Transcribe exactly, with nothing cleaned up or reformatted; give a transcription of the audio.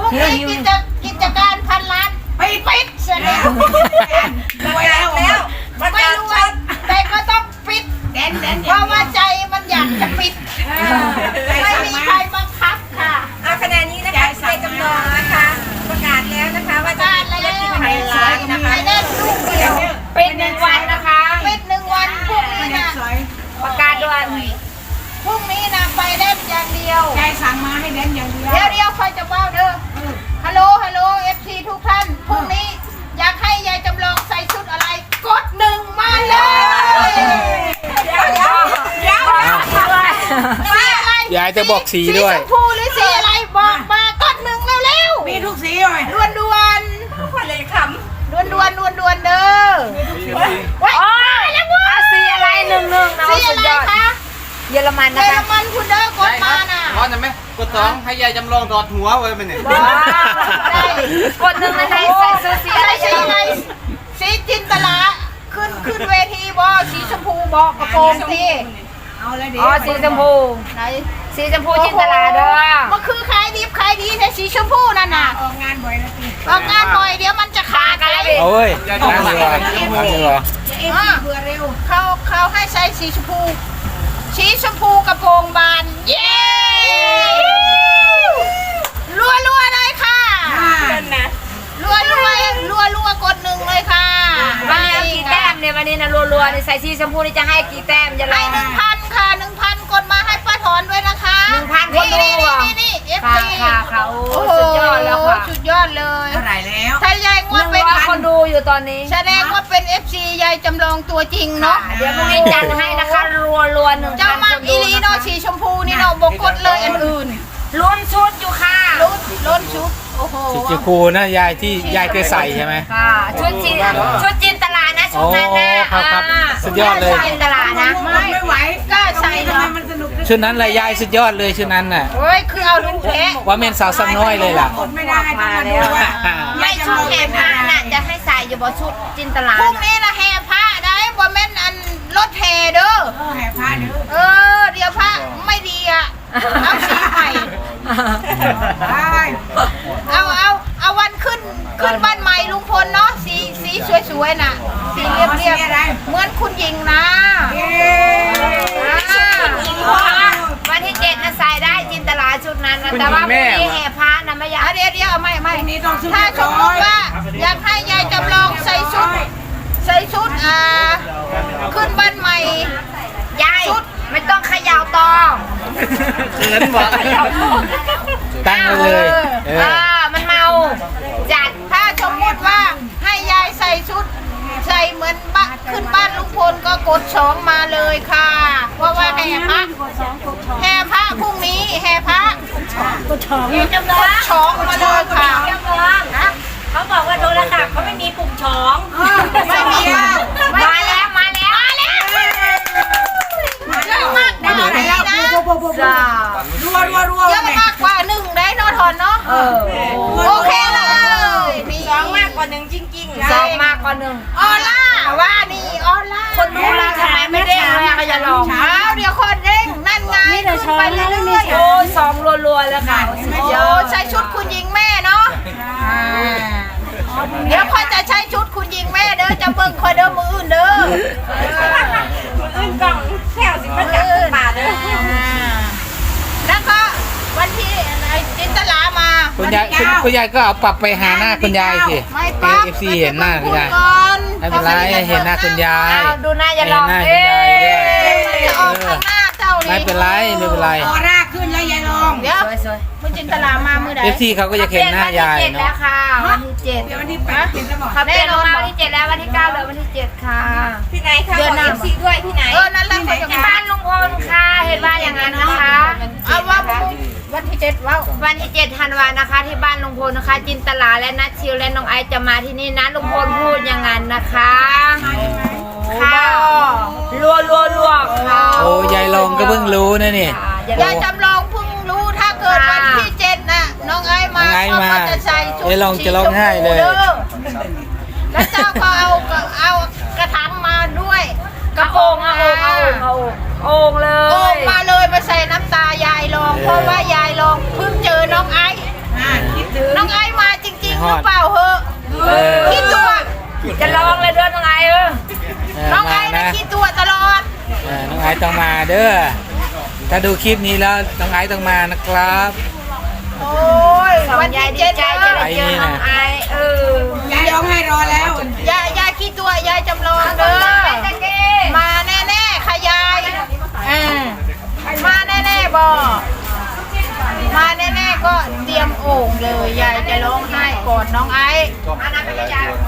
รุ่งนี้กิจกิจการพันล้านไปปิดเสร็จแล้วรวยแล้วแล้วไม่รวยแต่ก็ต้องปิดเพราะว่าใจมันอยากจะปิดไม่มีใครบังคับค่ะขณะนี้นะคะใจจำลองนะคะประกาศแล้วนะคะว่าจะการแล้วไปเล่นลูกเดียวเป็นหนึ่งวันนะคะปิดหนึ่งวันพรุ่งนี้นะประกาศด่วนพรุ่งนี้นะไปเล่นอย่างเดียวใจสั่งมาให้เล่นอย่างเดียวเดี๋ยวเดียวคอยจะว่าเด้อฮัลโหลฮัลโหลเอฟซีทุกท่านพรุ่งนี้อยากให้ยายจำลองใส่ชุดอะไรกดหนึ่งมาเลยเดี๋ยวเดี๋ยวเดี๋ยวสีอะไรยายจะบอกสีด้วยสีชมพูหรือสีอะไรบอกมากดหนึ่งเร็วๆมีทุกสีเลยดวนดวนเลยคำดวนดวนดวนดวนเด้อว้ายแล้วเว้ยสีอะไรหนึ่งหนึ่งนะสีอะไรคะเยอรมันเยนะอรคะมันคุณเด้อกดมาน่ะร้อนไหมกดสองให้ยายจำลองถอดหัวไว้มันเนี่ยกดหนึ่งในใส่ซื้อสีอะไรสีอะไรสีจินตลาขึ้นขึ้นเวทีบอสีชมพูบอกกระโปรงที่เอาเลยเดี๋ยวอ๋อสีชมพูไหนสีชมพูจินตลาเด้อมันคือขายดีขายดีแต่สีชมพูนั่นน่ะออกงานบ่อยนะตีออกงานบ่อยเดี๋ยวมันจะขาดไปโอ้ยนั่งดีกว่านั่งดีกว่าเอฟซีเบื่อเร็วเขาเขาให้ใช้สีชมพูสีชมพูกระโปรงบานเย้รัวรัวๆเลยค่ะรัวรัวรัวรัวๆกดหนึ่งเลยค่ะวันนี้กี่แต้มเนี่ยวันนี้นะรัวๆในใส่สีชมพูนี่จะให้กี่แต้มจะลให้องหนึ่งพันค่ะหนึ่งพันกดมาให้ป้าถอนด้วยนะคะหนึ่งพันคนดูนี่อ่ะนี่นี่เอฟค่ะซีค่ะค่ะโอ้โอ้โหสุดยอดแล้วค่ะสุดยอดเลยเท่าไหร่แล้วถ้ายายงหวดนึ่งเป็นร้อยคนดูอยู่ตอนนี้แสดงว่าเป็น เอฟ ซี ยายจำลองตัวจริงเนาะเดี๋ยวพรุ่งนี้จัดให้นะคะรัวๆหนึ่งเจ้าพันมาคกนอีดูลีเนาะสีชมพูนี่เนาะบกกดเลยอันอื่นลุ้นชุดอยู่ค่ะล้นล้นชุดโอ้โหสีชมพูนะยายที่ยายเคยใส่ใช่ไหมค่ะชุดจีนชุดจินตลานะชุดนั้นนะโอ้ครับครับาสุดยอดเลยชุจินตลานะไม่ไม่ไหวกล้าใส่ทำไมเนาะมันสนุกชุดนั้นแหละยายสุดยอดเลยชุดนั้นน่ะโอ้ยคือเอาลูกแท้ว่าเมนสาวซ้ำน้อยเลยล่ะกดไม่ได้ต้องมาดูว่าไม่ชุดแห่ผ้าน่ะจะให้ใส่อยู่บนชุดจินตลาพรุ่งน่ะนี้นะแห่พระได้บ่แม่นอันรถแห่เด้อแห่ผ้าเด้อเออเดี๋ยวพระไม่ดีอ่ะเอาสีใหม่ได้เอาเอาเอาวันขึ้นขึ้นบ้านใหม่ลุงพลเนาะสีสีสวยๆน่ะสีเรียบเรียบเหมือนคุณหญิงนะเย้อ่าวันที่เจ็ดนะใส่ได้จินตลาชุดนั้นนะแต่ว่าพรุ่งนี้แห่ผ้านะไม่อยากอ่ะเดี๋ยวเดี๋ยวไม่ไม่นี่ต้องซื้อถ้าสมมติว่าอยากให้ยายจำลองใส่ชุดใส่ชุดอ่าขึ้นบ้านใหม่ยายไม่ต้องเขย่าตองเขินบอกตั้งไว้เลยเอเอออมันเมาจัดถ้าสมมติว่าให้ยายใส่ชุดใส่เหมือนบ้านขึ้นบ้านลุงพลก็กดสองมาเลยค่ะ เพราะว่าแห่พระแห่พระพรุ่งนี้แห่พระกดสองกดสองมาเลยค่ะนะเขาบอกว่าโทรศัพท์เขาไม่มีปุ่มช้องไม่มีมาแล้วมาแล้วมาแล้วเยอะมากได้นะจ้ารัวรัวรัวเยอะมากกว่าหนึ่งได้เนอะทอนเนาะเออโอเคเลยนี่สองมากกว่าหนึ่งจริงๆสองมากกว่าหนึ่งออล่าว่านี่ออล่าคนดูแลทำไมไม่เด้งเลยอะก็จะลองเช้าเดี๋ยวคนเด้งนั่นไงขึ้นไปเรื่อยๆโอ้ยสองรัวๆแล้วค่ะโอ้ใช้ชุดคุณหญิงแม่เนาะเดี๋ยวค่อยจะใช้ชุดคุณหญิงแม่เด้อจะเบิ่งคอยเด้อมืออื่นเด้ออื่นกล่องแถวสิบประจักษ์ป่าเลยแล้วก็วันที่ไอ้จินตลามาคุณยายคุณคุณยายก็เอาปรับไปหาหน้าคุณยายสิไม่ปั๊บเอฟซีเห็นหน้าคุณยายก่อนไม่เป็นไรเห็นหน้าคุณยายเอาดูหน้าอย่าลองเห็นหน้าคุณยายด้วยจะออกข้างหน้าเจ้านี่ไม่เป็นไรไม่เป็นไรออร่าขึ้นแล้วยายลองเดี๋ยวสวยคุณจินตลามามือใดเอฟซีเขาก็จะเห็นหน้ายายวันที่เจ็ดแล้เนาะวค่ะวันที่เจ็ดเดี๋ยววันที่แปดติดแล้วบอกเขาเปลี่ยนลงมาวันที่เจ็ดแล้ววันที่เก้าเหลือวันที่เจ็ดค่ะที่ไหนคะเดือนหน้าบอก FC ด้วยที่ไหนเออนั่นแหละเขาจะที่มาบ้านลุงพลค่ะเห็นว่าอย่างนั้นนะคะเอาว่าวันที่เจ็ดว้าววันที่เจ็ดธันวานะคะ ที่บ้านลุงพลนะคะ จินตลาและนัทชิวและน้องไอซ์จะมาที่นี่นะลุงพลพูดอย่างนั้นนะคะค่ะรัวรัวรัวค่ะโอ้ยายลงก็เพิ่งรู้นะนี่ยายจำลองเพิ่งรู้ถ้าเกิดวันที่เจ็ดน่ะน้องไอ้มาน้องไอ้มาเขาก็จะใส่ชุดยายลองจะร้องไห้เลยสีชมพูด้อแล้วเจ้าก็เอาเอากระถางมาด้วยกระเอาโปรโอ่งงเอาโอ่งเอาโอ่งเอาโอ่งเลโอ่งยมาเลยมาใส่น้ำตายายลองเพราะว่ายายลองเพิ่งเจอน้องไอ้อ่าคิดถึงน้องเลยเด้อน้องไอเออเออน้องไอ้มานะนะคิดตัวตลอดเออน้องไอซ์ต้องมาเด้อถ้าดูคลิปนี้แล้วน้องไอซ์ต้องมานะครับโอ้ยสองวันยาที่ยดีเจ็ดใจเลจะยได้เจอน้องไอเออยายร้องไห้รอแล้วยายยายคิดตัวยายจำลองเด้อมาแน่ๆค่ะยายเออมาแน่ๆบอมาแน่ๆก็เตรียมโอ่งเลยยายจะร้องไห้ก่อนน้องไอ้ก็ไม่เป็นไร